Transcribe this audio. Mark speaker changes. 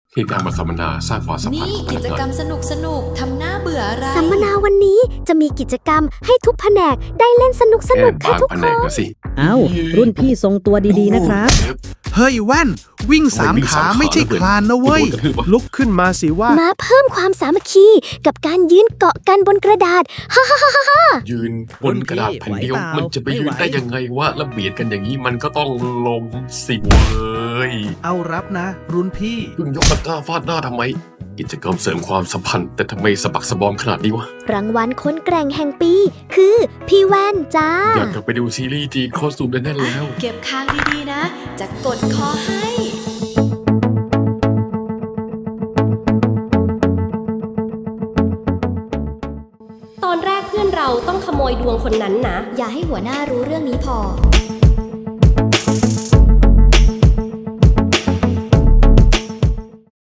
Speaker 1: คือการมาสัมมนาสร้างความสัมพันธ์
Speaker 2: นี่
Speaker 1: ของพ
Speaker 2: กิ
Speaker 1: นัก
Speaker 2: จ
Speaker 1: งาน
Speaker 2: กรรมสนุกทำหน้าเบื่ออะไร
Speaker 3: สัมมนาวันนี้จะมีกิจกรรมให้ทุกแผนกได้เล่นสนุก
Speaker 1: แค่
Speaker 3: ค่ะ
Speaker 1: บาง
Speaker 3: ทุก
Speaker 1: แผ
Speaker 3: คน
Speaker 1: ก
Speaker 3: น
Speaker 1: นะสิ
Speaker 4: เอ้า รุ่นพี่ทรงตัวดีๆนะครับ
Speaker 5: เฮ้ยแว่น วิ่งสาม
Speaker 1: วิ่ง
Speaker 5: ขา
Speaker 1: สามขา
Speaker 5: ไม่ใช่คลานนะเว้ย
Speaker 1: โดนกระทืบวะ
Speaker 5: ลุกขึ้นมาสิว่า
Speaker 3: มาเพิ่มความสามัคคีกับการยืนเกาะกันบนกระดาษ
Speaker 1: ยืนบนกระดาษแผ่นเดียว
Speaker 4: ไหวเปล่า
Speaker 1: มันจะไปยืน
Speaker 4: ไม่ไหว
Speaker 1: ได้ยังไงวะแล้วเบียดกันอย่างนี้มันก็ต้องลงสิเว้ย
Speaker 5: เอารับนะ รุ่นพี่
Speaker 1: เพิ่งยกตะกร้าฟาดหน้าทำไม กิจกรรมเสริมความสัมพันธ์แต่ทำไมสะบักสะบอมขนาดนี้วะ
Speaker 3: รางวัลคนแกร่งแห่งปี คือพี่แว่นจ้า
Speaker 1: อยากกลับไปดูซีรีส์จีนโคตรสูบแน่ๆแล้ว
Speaker 2: เก็บค้างดีๆนะ จะกดคอให้
Speaker 6: ตอนแรกเพื่อนเราต้องขโมยดวงคนนั้นนะ
Speaker 7: อย่าให้หัวหน้ารู้เรื่องนี้พอ